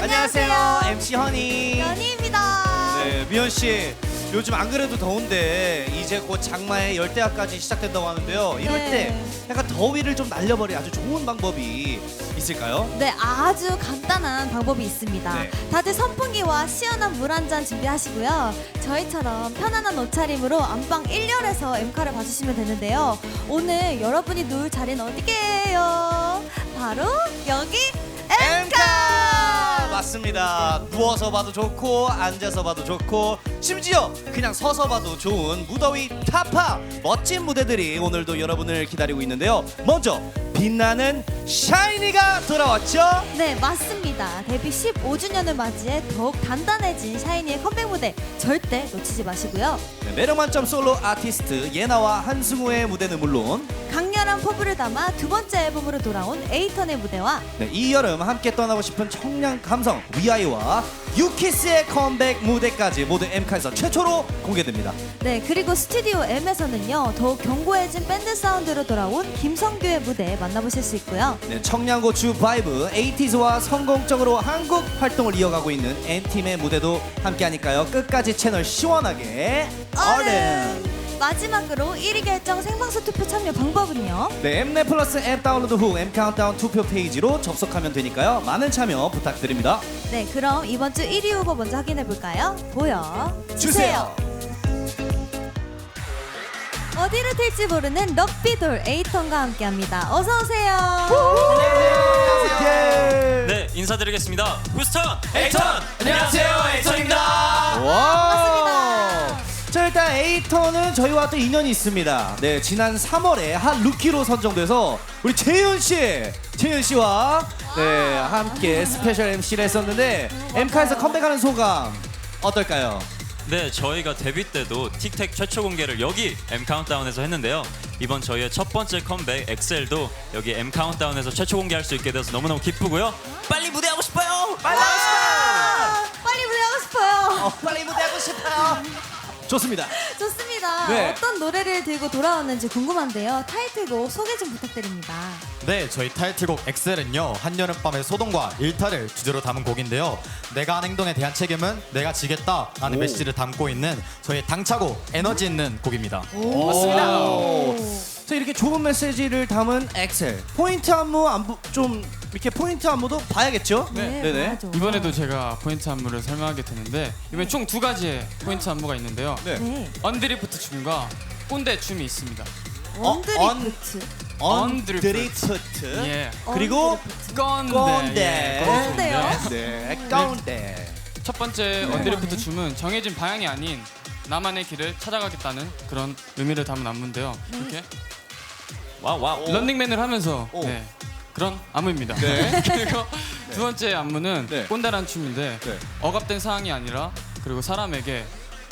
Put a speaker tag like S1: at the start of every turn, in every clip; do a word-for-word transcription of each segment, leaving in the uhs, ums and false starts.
S1: 안녕하세요. 엠씨 허니.
S2: 연희입니다.
S1: 네, 미연 씨. 요즘 안 그래도 더운데 이제 곧 장마의 열대야까지 시작된다고 하는데요. 이럴
S2: 네.
S1: 때 약간 더위를 좀 날려버릴 아주 좋은 방법이 있을까요?
S2: 네, 아주 간단한 방법이 있습니다.
S1: 네.
S2: 다들 선풍기와 시원한 물 한 잔 준비하시고요. 저희처럼 편안한 옷차림으로 안방 일 열에서 엠카를 봐주시면 되는데요. 오늘 여러분이 누울 자리는 어디게요? 바로 여기 엠카!
S1: 맞습니다. 누워서 봐도 좋고 앉아서 봐도 좋고 심지어 그냥 서서 봐도 좋은 무더위 타파 멋진 무대들이 오늘도 여러분을 기다리고 있는데요. 먼저 빛나는 샤이니가 돌아왔죠?
S2: 네, 맞습니다. 데뷔 십오 주년을 맞이해 더욱 단단해진 샤이니의 컴백 무대 절대 놓치지 마시고요.
S1: 네, 매력 만점 솔로 아티스트 예나와 한승우의 무대는 물론
S2: 강렬한 포부를 담아 두 번째 앨범으로 돌아온 에이턴의 무대와
S1: 네, 이 여름 함께 떠나고 싶은 청량 감성 위아이와 유키스의 컴백 무대까지 모두 엠카에서 최초로 공개됩니다.
S2: 네, 그리고 스튜디오 M에서는요 더욱 견고해진 밴드 사운드로 돌아온 김성규의 무대 만나보실 수 있고요.
S1: 네, 청량고추 바이브 에이티즈와 성공적으로 한국 활동을 이어가고 있는 엔팀의 무대도 함께하니까요. 끝까지 채널 시원하게 얼음.
S2: 마지막으로 일 위 결정 생방송 투표 참여 방법은요?
S1: 네, 엠넷 플러스 앱 다운로드 후 엠 카운트다운 투표 페이지로 접속하면 되니까요. 많은 참여 부탁드립니다.
S2: 네, 그럼 이번 주 일 위 후보 먼저 확인해 볼까요? 보여주세요.
S1: 주세요.
S2: 어디로 튈지 모르는 럭비돌 에이턴과 함께합니다. 어서 오세요.
S1: 네.
S3: 네, 인사드리겠습니다. 후스턴
S4: 에이턴! 안녕하세요, 에이턴입니다.
S1: 와. 자, 일단 에이턴은 저희와 또 인연이 있습니다. 네, 지난 삼월에 한 루키로 선정돼서 우리 재윤 씨, 재윤 씨와 네 함께 스페셜 엠씨를 했었는데 엠카에서 컴백하는 소감 어떨까요?
S3: 네, 저희가 데뷔 때도 틱택 최초 공개를 여기 M 카운트다운에서 했는데요. 이번 저희의 첫 번째 컴백 엑셀도 여기 M 카운트다운에서 최초 공개할 수 있게 돼서 너무너무 기쁘고요. 빨리 무대하고 싶어요.
S1: 빨리 하고 싶어요.
S2: 빨리 무대하고 싶어요.
S1: 어, 빨리 무대하고 싶어요. 좋습니다.
S2: 좋습니다.
S1: 네.
S2: 어떤 노래를 들고 돌아왔는지 궁금한데요. 타이틀곡 소개 좀 부탁드립니다.
S4: 네, 저희 타이틀곡 엑셀은요 한여름밤의 소동과 일탈을 주제로 담은 곡인데요. 내가 한 행동에 대한 책임은 내가 지겠다 라는
S1: 오.
S4: 메시지를 담고 있는 저희 당차고 에너지 있는 곡입니다.
S2: 오.
S1: 맞습니다. 자, 이렇게 좋은 메시지를 담은 엑셀 포인트 안무 안부 좀 이렇게 포인트 안무도 봐야겠죠?
S2: 네,
S1: 네네.
S2: 봐야죠.
S5: 이번에도 제가 포인트 안무를 설명하게 되는데 이번에 총 두 가지의 포인트 안무가 있는데요.
S1: 네.
S2: 네.
S5: 언드리프트 춤과 꼰대 춤이 있습니다.
S2: 언드리프트.
S1: 언드리프트.
S5: 예.
S1: 그리고
S5: 꼰대.
S1: 꼰대.
S5: 예,
S2: 꼰대요?
S1: 네, 꼰대.
S5: 첫 번째 언드리프트 춤은 정해진 방향이 아닌 나만의 길을 찾아가겠다는 그런 의미를 담은 안무인데요. 이렇게
S3: 와우 와우.
S5: 런닝맨을 하면서
S1: 오.
S5: 네, 그런 안무입니다.
S1: 네.
S5: 그리고 두 번째 안무는
S1: 네.
S5: 꼰대라는 춤인데
S1: 네.
S5: 억압된 상황이 아니라 그리고 사람에게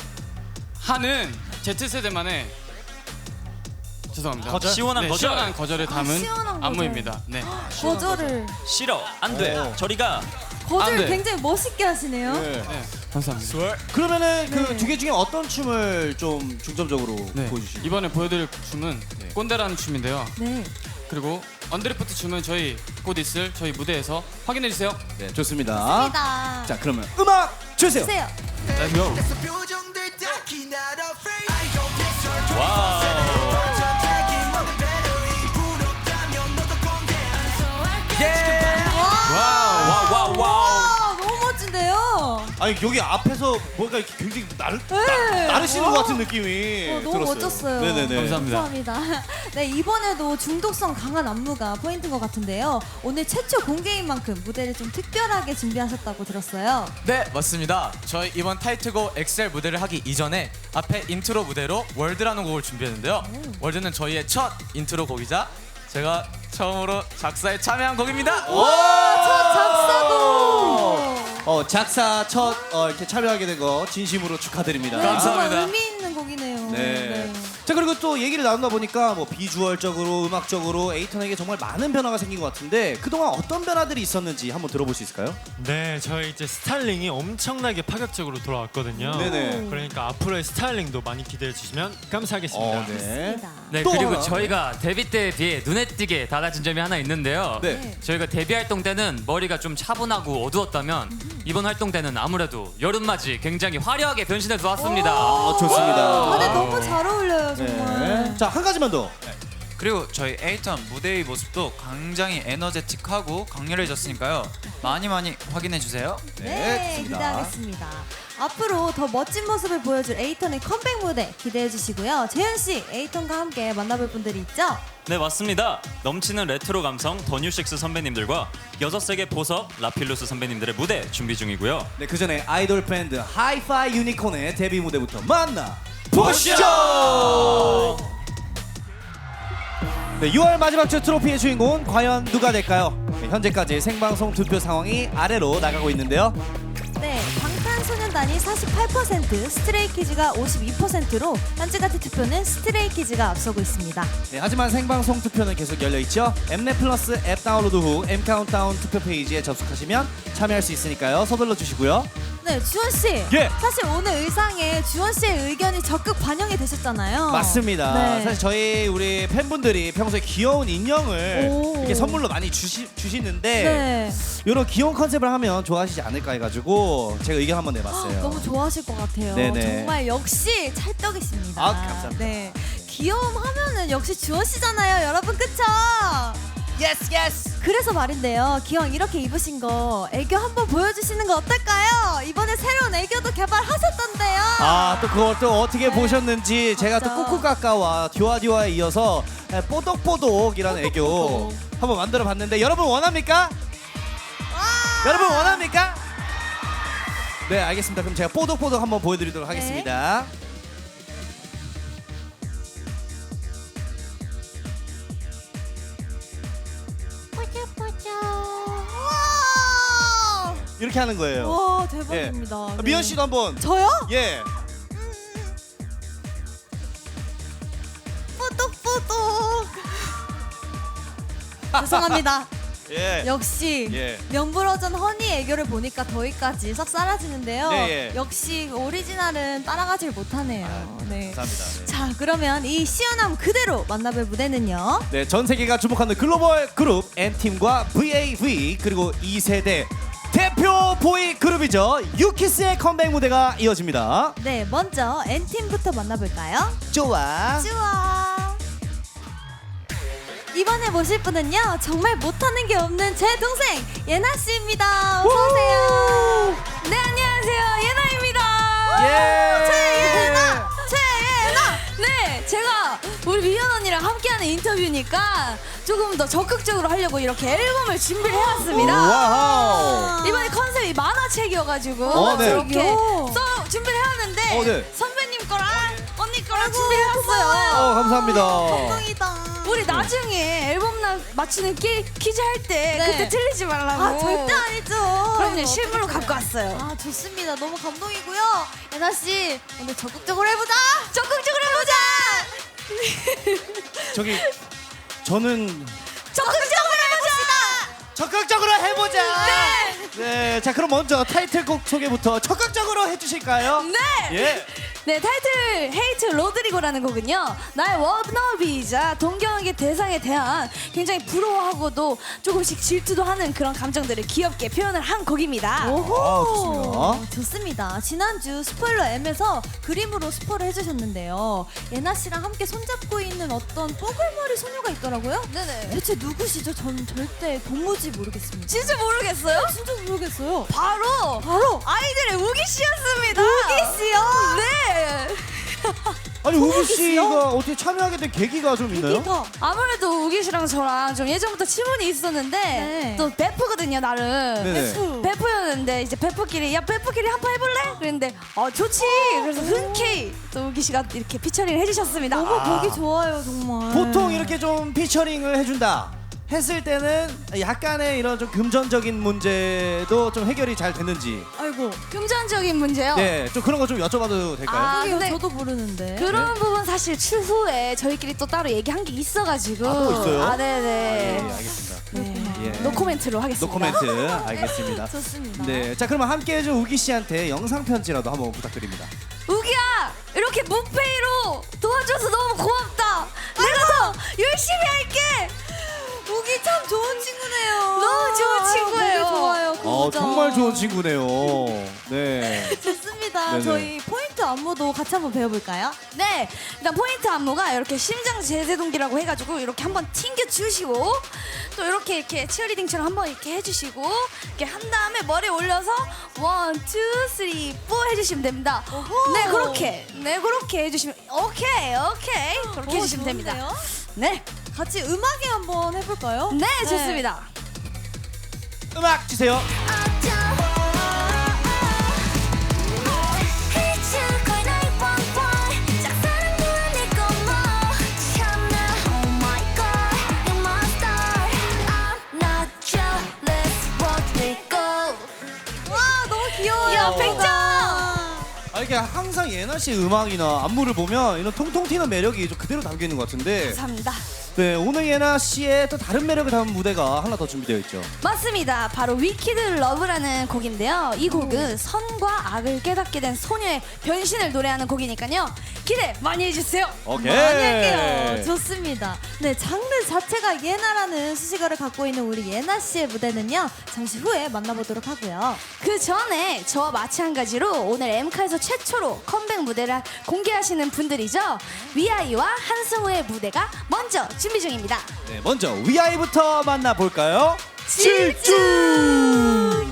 S5: 하는 Z세대만의 죄송합니다.
S3: 거절? 시원한
S5: 네,
S3: 거절.
S5: 시원한 거절을 담은
S2: 아, 시원한 거절.
S5: 안무입니다. 네.
S2: 거절을.
S3: 싫어. 안 돼.
S1: 오.
S3: 저리가.
S2: 거절
S5: 안 돼.
S2: 굉장히 멋있게 하시네요.
S1: 네.
S5: 네. 감사합니다.
S1: 그러면은 그
S2: 네.
S1: 두 개 중에 어떤 춤을 좀 중점적으로
S5: 네.
S1: 보여주시죠?
S5: 이번에 보여드릴 춤은
S1: 네.
S5: 꼰대라는 춤인데요.
S2: 네.
S5: 그리고 언드리프트 춤은 저희 곧 있을 저희 무대에서 확인해 주세요.
S1: 네, 좋습니다.
S2: 좋습니다.
S1: 자, 그러면 음악 주세요.
S2: 주세요.
S5: Let's go.
S3: 와우.
S2: 와.
S3: 와우 와우 와우.
S2: 와, 너무 멋진데요.
S1: 아니 여기 앞에서 뭔가 이렇게 굉장히 나르
S2: 네.
S1: 나르시는
S2: 와.
S1: 것 같은 느낌이
S2: 어, 너무
S1: 들었어요.
S2: 멋졌어요.
S1: 네네네.
S5: 감사합니다.
S2: 감사합니다. 네, 이번에도 중독성 강한 안무가 포인트인 것 같은데요. 오늘 최초 공개인 만큼 무대를 좀 특별하게 준비하셨다고 들었어요.
S6: 네, 맞습니다. 저희 이번 타이틀곡 엑셀 무대를 하기 이전에 앞에 인트로 무대로 월드라는 곡을 준비했는데요. 월드는 저희의 첫 인트로 곡이자 제가 처음으로 작사에 참여한 곡입니다.
S2: 첫 작사곡.
S1: 어 작사 첫 어, 이렇게 참여하게 된 거 진심으로 축하드립니다.
S6: 감사합니다.
S2: 정말 의미 있는 곡이네요.
S1: 네.
S2: 네.
S1: 자, 그리고 또 얘기를 나누다 보니까 뭐 비주얼적으로, 음악적으로 에이턴에게 정말 많은 변화가 생긴 것 같은데 그동안 어떤 변화들이 있었는지 한번 들어볼 수 있을까요?
S7: 네, 저희 이제 스타일링이 엄청나게 파격적으로 돌아왔거든요.
S1: 네네.
S7: 그러니까 앞으로의 스타일링도 많이 기대해 주시면 감사하겠습니다.
S1: 어, 네.
S8: 네,
S1: 또
S8: 그리고
S1: 하나.
S8: 저희가 데뷔 때에 비해 눈에 띄게 달라진 점이 하나 있는데요.
S1: 네.
S8: 저희가 데뷔 활동 때는 머리가 좀 차분하고 어두웠다면 이번 활동 때는 아무래도 여름맞이 굉장히 화려하게 변신해서 왔습니다.
S1: 아, 좋습니다.
S2: 다들 너무 잘 어울려요 정말.
S1: 네. 자, 한 가지만 더.
S9: 그리고 저희 에이턴 무대의 모습도 굉장히 에너제틱하고 강렬해졌으니까요. 많이 많이 확인해 주세요.
S1: 네,
S2: 네,
S1: 좋습니다.
S2: 기대하겠습니다. 앞으로 더 멋진 모습을 보여줄 에이턴의 컴백 무대 기대해 주시고요. 재현 씨, 에이턴과 함께 만나볼 분들이 있죠?
S3: 네, 맞습니다. 넘치는 레트로 감성 더뉴식스 선배님들과 여섯 세계 보석 라필루스 선배님들의 무대 준비 중이고요.
S1: 네, 그 전에 아이돌 밴드 하이파이 유니콘의 데뷔 무대부터 만나 보시죠. 네, 유월 마지막 주 트로피의 주인공은 과연 누가 될까요? 네, 현재까지 생방송 투표 상황이 아래로 나가고 있는데요.
S2: 네, 방탄소년단이 사십팔 퍼센트, 스트레이키즈가 오십이 퍼센트로 현재 같은 투표는 스트레이키즈가 앞서고 있습니다.
S1: 네, 하지만 생방송 투표는 계속 열려 있죠. 엠넷 플러스 앱 다운로드 후 M 카운트다운 투표 페이지에 접속하시면 참여할 수 있으니까요. 서둘러 주시고요.
S2: 네, 주원 씨.
S1: 예.
S2: 사실 오늘 의상에 주원 씨의 의견이 적극 반영이 되셨잖아요.
S1: 맞습니다.
S2: 네.
S1: 사실 저희 우리 팬분들이 평소에 귀여운 인형을
S2: 오.
S1: 이렇게 선물로 많이 주시, 주시는데
S2: 네.
S1: 이런 귀여운 컨셉을 하면 좋아하시지 않을까 해가지고 제가 의견 한번 내봤어요.
S2: 너무 좋아하실 것 같아요.
S1: 네네.
S2: 정말 역시 찰떡이십니다.
S1: 아, 감사합니다.
S2: 네. 귀여움 하면은 역시 주원 씨잖아요, 여러분, 그쵸?
S1: 예스 예스.
S2: 그래서 말인데요, 기왕 이렇게 입으신 거 애교 한번 보여주시는 거 어떨까요? 이번에 새로운 애교도 개발하셨던데요.
S1: 아, 또 그걸 또 어떻게
S2: 네.
S1: 보셨는지 제가 또
S2: 맞죠.
S1: 꾸꾸까까와 듀아듀아에 이어서 뽀독뽀독이라는 애교
S2: 뽀독뽀독.
S1: 한번 만들어 봤는데 여러분 원합니까? 여러분 원합니까? 네, 알겠습니다. 그럼 제가 뽀독뽀독 한번 보여드리도록
S2: 네.
S1: 하겠습니다.
S2: 우와!
S1: 이렇게 하는 거예요.
S2: 와, 대박입니다.
S1: 아,
S2: 네.
S1: 미연 씨도 한번.
S2: 저요?
S1: 예.
S2: 뽀독뽀독. 죄송합니다.
S1: 예.
S2: 역시
S1: 예.
S2: 명불허전 허니 애교를 보니까 더위까지 싹 사라지는데요.
S1: 네, 예.
S2: 역시 오리지널은 따라가질 못하네요. 네.
S1: 감사합니다. 네.
S2: 자, 그러면 이 시원함 그대로 만나볼 무대는요.
S1: 네, 전 세계가 주목하는 글로벌 그룹 엔팀과 브이에이브이 그리고 이 세대 대표 보이 그룹이죠. 유키스의 컴백 무대가 이어집니다.
S2: 네, 먼저 엔팀부터 만나볼까요?
S1: 좋아.
S2: 좋아. 이번에 모실 분은요, 정말 못하는 게 없는 제 동생 예나 씨입니다. 어서 오세요. 네, 안녕하세요, 예나입니다.
S1: 예.
S2: 최예나, 최예나.
S10: 네, 제가 우리 미연 언니랑 함께하는 인터뷰니까 조금 더 적극적으로 하려고 이렇게 앨범을 준비를 해왔습니다.
S1: 와우.
S10: 이번에 컨셉이 만화책이어가지고
S1: 어, 네.
S10: 이렇게 써 준비를 해왔는데
S1: 어, 네.
S10: 선배님 거랑 언니 거랑 준비를 해왔어요.
S1: 어, 감사합니다.
S2: 감동이다.
S10: 우리 나중에 앨범 나 맞추는 퀴, 퀴즈 할 때
S2: 네.
S10: 그때 틀리지 말라고.
S2: 아, 절대 아니죠.
S10: 그럼요, 실물로 갖고 왔어요.
S2: 아, 좋습니다. 너무 감동이고요. 예나 씨, 오늘 적극적으로 해보자.
S10: 적극적으로 해보자.
S1: 저기 저는
S10: 적극적으로 해보자.
S1: 적극적으로 해보자. 네. 네. 자, 그럼 먼저 타이틀곡 소개부터 적극적으로 해주실까요?
S10: 네.
S1: 예.
S10: 네, 타이틀 헤이트 로드리고라는 곡은요, 나의 워너비이자 동경의 대상에 대한 굉장히 부러워하고도 조금씩 질투도 하는 그런 감정들을 귀엽게 표현을 한 곡입니다.
S2: 오호.
S1: 아, 좋습니다.
S2: 좋습니다. 지난주 스포일러 M에서 그림으로 스포를 해주셨는데요. 예나 씨랑 함께 손잡고 있는 어떤 뽀글머리 소녀가 있더라고요.
S10: 네네.
S2: 대체 누구시죠? 전 절대 도무지 모르겠습니다.
S10: 진짜 모르겠어요?
S2: 진짜 모르겠어요.
S10: 바로
S2: 바로
S10: 아이들의 우기 씨였습니다.
S2: 우기 씨요?
S10: 네.
S1: 아니, 우기 씨가 어떻게 참여하게 된 계기가 좀 있나요?
S2: 기가.
S10: 아무래도 우기 씨랑 저랑 좀 예전부터 친분이 있었는데
S2: 네.
S10: 또 베프거든요, 나름.
S1: 네네.
S2: 베프.
S10: 베프였는데 이제 베프끼리 야 베프끼리 한 판 해볼래? 그랬는데 어 좋지. 그래서 흔쾌히 또 우기 씨가 이렇게 피처링을 해주셨습니다.
S2: 너무 보기 좋아요, 정말.
S1: 보통 이렇게 좀 피처링을 해준다 했을 때는 약간의 이런 좀 금전적인 문제도 좀 해결이 잘 됐는지.
S2: 아이고.
S10: 금전적인 문제요.
S1: 네, 좀 그런 거 좀 여쭤봐도 될까요?
S10: 아,
S2: 그게요?
S10: 근데
S2: 저도 모르는데.
S10: 그런 부분 사실 추후에 저희끼리 또 따로 얘기한 게 있어가지고.
S1: 아, 또 있어요?
S10: 아, 네네.
S1: 예, 알겠습니다.
S10: 네.
S1: 예.
S10: 노코멘트로 하겠습니다.
S1: 노코멘트 알겠습니다.
S2: 좋습니다.
S1: 네, 자 그러면 함께 해준 우기 씨한테 영상 편지라도 한번 부탁드립니다.
S10: 우기야, 이렇게 무페이로 도와줘서 너무 고맙다. 내가 더 열심히 할게.
S2: 우기 참 좋은 친구네요.
S10: 너무 좋은 친구예요.
S2: 되게 좋아요.
S1: 어,
S2: 고자.
S1: 정말 좋은 친구네요. 네.
S2: 좋습니다.
S1: 네네.
S2: 저희 포인트 안무도 같이 한번 배워볼까요?
S10: 네, 일단 포인트 안무가 이렇게 심장 제세동기라고 해가지고 이렇게 한번 튕겨 주시고 또 이렇게 이렇게 치어리딩처럼 한번 이렇게 해주시고 이렇게 한 다음에 머리 올려서 원, 투, 쓰리, 포 해주시면 됩니다.
S2: 오호.
S10: 네, 그렇게 네 그렇게 해주시면 오케이, 오케이 그렇게
S2: 오,
S10: 해주시면 됩니다.
S2: 좋은데요?
S10: 네,
S2: 같이 음악에 한번 해볼까요?
S10: 네, 좋습니다.
S1: 음악 주세요.
S2: 와 너무 귀여워요.
S10: 야, 백 점!
S1: 아, 이렇게 항상 예나 씨 음악이나 안무를 보면 이런 통통 튀는 매력이 좀 그대로 담겨 있는 것 같은데.
S10: 감사합니다.
S1: 네, 오늘 예나 씨의 또 다른 매력을 담은 무대가 하나 더 준비되어 있죠.
S10: 맞습니다. 바로 위키드 러브라는 곡인데요. 이 곡은 선과 악을 깨닫게 된 소녀의 변신을 노래하는 곡이니까요. 기대 많이 해주세요.
S1: 오케이.
S2: 많이 할게요. 좋습니다. 네, 장르 자체가 예나라는 수식어를 갖고 있는 우리 예나 씨의 무대는요. 잠시 후에 만나보도록 하고요.
S10: 그 전에 저와 마찬가지로 오늘 엠카에서 최초로 컴백 무대를 공개하시는 분들이죠. 위아이와 한승우의 무대가 먼저 준비 중입니다.
S1: 네, 먼저 위아이부터 만나볼까요?
S10: 질주!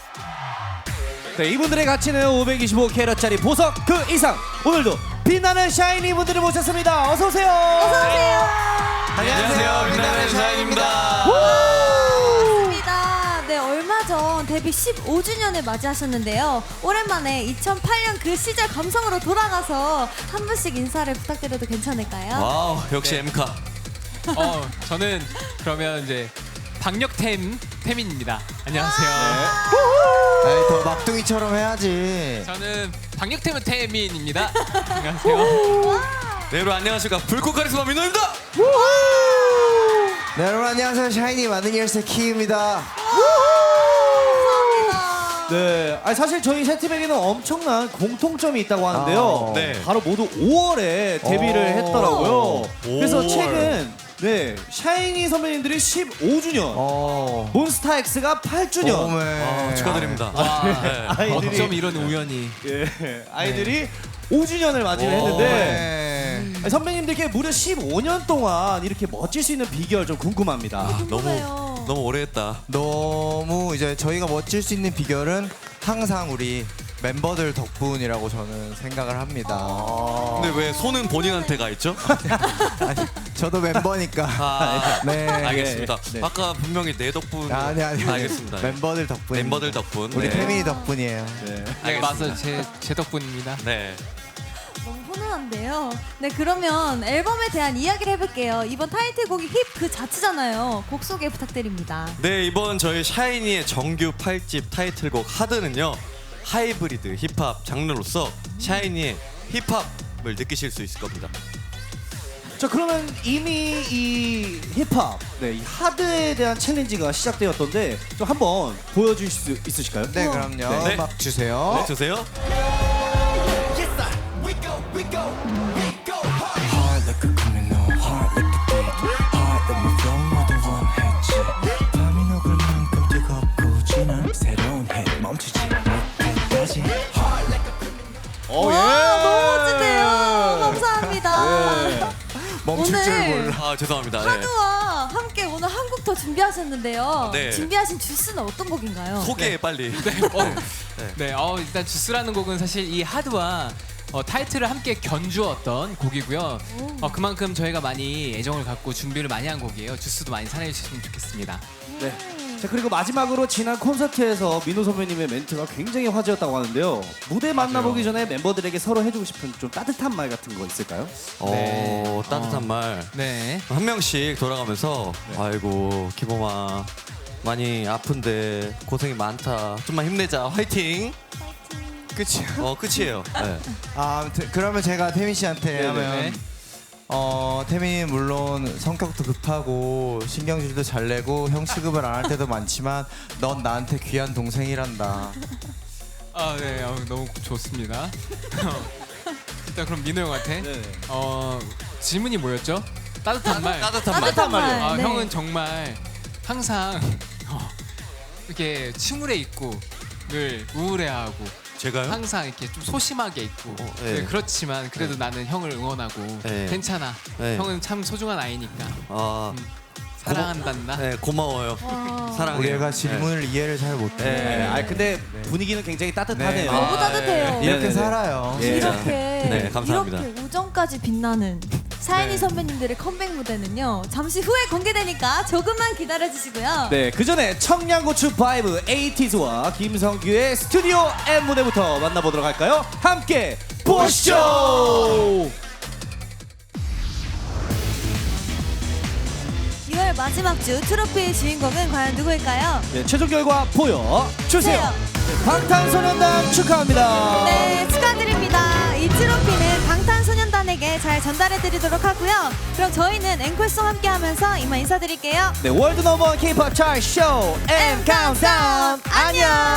S1: 네, 이분들의 가치는 오백이십오 캐럿짜리 보석 그 이상. 오늘도 빛나는 샤이니 분들을 모셨습니다. 어서 오세요. 어서 오세요.
S9: 안녕하세요, 빛나는 샤인입니다.
S2: 반갑습니다. 네, 얼마 전 데뷔 십오 주년을 맞이하셨는데요. 오랜만에 이천팔 년 그 시절 감성으로 돌아가서 한 분씩 인사를 부탁드려도 괜찮을까요?
S9: 와우, 역시 엠카.
S5: 어, 저는 그러면 이제 박력템 태민입니다. 안녕하세요.
S11: 에이, 더 막둥이처럼 해야지.
S5: 저는 박력템은 태민입니다. 안녕하세요.
S9: 네, 여러분 안녕하십니까. 불꽃 카리스마 민호입니다.
S11: 네, 여러분 안녕하세요. 샤이니 만능 열쇠 키입니다.
S1: 네, 아니 사실 저희 세트백에는 엄청난 공통점이 있다고 하는데요.
S11: 아,
S9: 네.
S1: 바로 모두 오월에 데뷔를
S11: 오.
S1: 했더라고요. 그래서
S9: 오월.
S1: 최근 네 샤이니 선배님들이 십오 주년,
S11: 어.
S1: 몬스타엑스가 팔 주년.
S11: 어메.
S9: 아, 축하드립니다. 네.
S1: 아이들이
S5: 어쩜 이런 우연이.
S1: 예, 아이들이 오 주년을 맞이를
S11: 오,
S1: 했는데
S11: 네.
S1: 아니, 선배님들께 무려 십오 년 동안 이렇게 멋질 수 있는 비결 좀 궁금합니다.
S2: 궁금해요.
S9: 너무 오래 했다.
S11: 너무 이제 저희가 멋질 수 있는 비결은 항상 우리 멤버들 덕분이라고 저는 생각을 합니다.
S9: 근데 왜 손은 본인한테 가 있죠?
S11: 아니, 저도 멤버니까.
S9: 아,
S11: 네.
S9: 알겠습니다.
S1: 네.
S9: 아까 분명히 내 덕분.
S11: 아니 아니.
S9: 알겠습니다.
S11: 멤버들 덕분.
S9: 멤버들 덕분.
S11: 우리
S9: 네.
S11: 태민이 덕분이에요.
S1: 네.
S5: 네, 맞아요. 제, 제 덕분입니다.
S9: 네.
S2: 너무 훈훈한데요. 네, 그러면 앨범에 대한 이야기를 해볼게요. 이번 타이틀곡이 힙 그 자체잖아요. 곡 소개 부탁드립니다.
S9: 네, 이번 저희 샤이니의 정규 팔 집 타이틀곡 하드는요. 하이브리드 힙합 장르로서 샤이니의 힙합을 느끼실 수 있을 겁니다.
S1: 자 그러면 이미 이 힙합, 네, 이 하드에 대한 챌린지가 시작되었던데 좀 한번 보여주실 수 있으실까요?
S11: 네, 그럼요.
S9: 네.
S11: 음악 주세요.
S9: 네, 주세요.
S1: 오, 예.
S2: 와, 너무 멋지네요. 감사합니다.
S1: 네.
S11: 멈출 줄
S2: 오늘
S11: 몰라.
S9: 아, 죄송합니다. 네.
S2: 하드와 함께 오늘 한 곡 더 준비하셨는데요.
S9: 네.
S2: 준비하신 주스는 어떤 곡인가요?
S9: 소개 빨리.
S5: 어, 네, 어, 일단 주스라는 곡은 사실 이 하드와 어, 타이틀을 함께 견주었던 곡이고요. 어, 그만큼 저희가 많이 애정을 갖고 준비를 많이 한 곡이에요. 주스도 많이 사랑해 주셨으면 좋겠습니다.
S1: 네. 자, 그리고 마지막으로 지난 콘서트에서 민호 선배님의 멘트가 굉장히 화제였다고 하는데요. 무대 만나보기 전에 멤버들에게 서로 해주고 싶은 좀 따뜻한 말 같은 거 있을까요?
S9: 어, 따뜻한 말.
S5: 네.
S9: 한 명씩 돌아가면서 아이고 기범아 많이 아픈데 고생이 많다. 좀만 힘내자. 화이팅.
S11: 끝이요?
S9: 어 끝이에요. 네.
S11: 아, 아무튼 그러면 제가 태민 씨한테
S1: 네네네.
S11: 하면 어 태민이 물론 성격도 급하고 신경질도 잘 내고 형 취급을 안 할 때도 많지만 넌 나한테 귀한 동생이란다.
S5: 아, 네. 어, 너무 좋습니다. 일단 그럼 민호 형한테
S1: 네.
S5: 어, 질문이 뭐였죠? 따뜻한 말.
S9: 따뜻한 말.
S2: 따뜻한 말.
S5: 아,
S2: 네.
S5: 형은 정말 항상 어, 이렇게 침울해 있고 늘 우울해하고
S9: 제가요?
S5: 항상 이렇게 좀 소심하게 있고
S9: 어, 네.
S5: 네, 그렇지만 그래도 나는 형을 응원하고
S9: 네.
S5: 괜찮아.
S9: 네.
S5: 형은 참 소중한 아이니까
S9: 아,
S5: 사랑한단다.
S9: 네 고마워요. 사랑해요.
S11: 우리가 질문을 이해를 잘 못해.
S1: 네. 아, 근데 분위기는 굉장히 따뜻하네요.
S11: 네.
S2: 너무 따뜻해요.
S11: 이렇게
S1: 네네네.
S11: 살아요.
S9: 예.
S2: 이렇게
S9: 네, 감사합니다.
S2: 이렇게 우정까지 빛나는 사인이
S5: 네.
S2: 선배님들의 컴백 무대는요 잠시 후에 공개되니까 조금만 기다려 주시고요.
S1: 네, 그 전에 청양고추 바이브 에이티즈와 김성규의 스튜디오 M 무대부터 만나보도록 할까요? 함께 보시죠.
S2: 유월 마지막 주 트로피의 주인공은 과연 누구일까요?
S1: 네, 최종 결과 보여 주세요. 방탄소년단 축하합니다.
S2: 네, 축하드립니다. 이 트로피는 방탄소년단에게 잘 전달해드리도록 하고요. 그럼 저희는 앵콜송 함께하면서 이만 인사드릴게요.
S1: 네, 월드 넘버 케이팝 차트 쇼 M 카운트다운 안녕.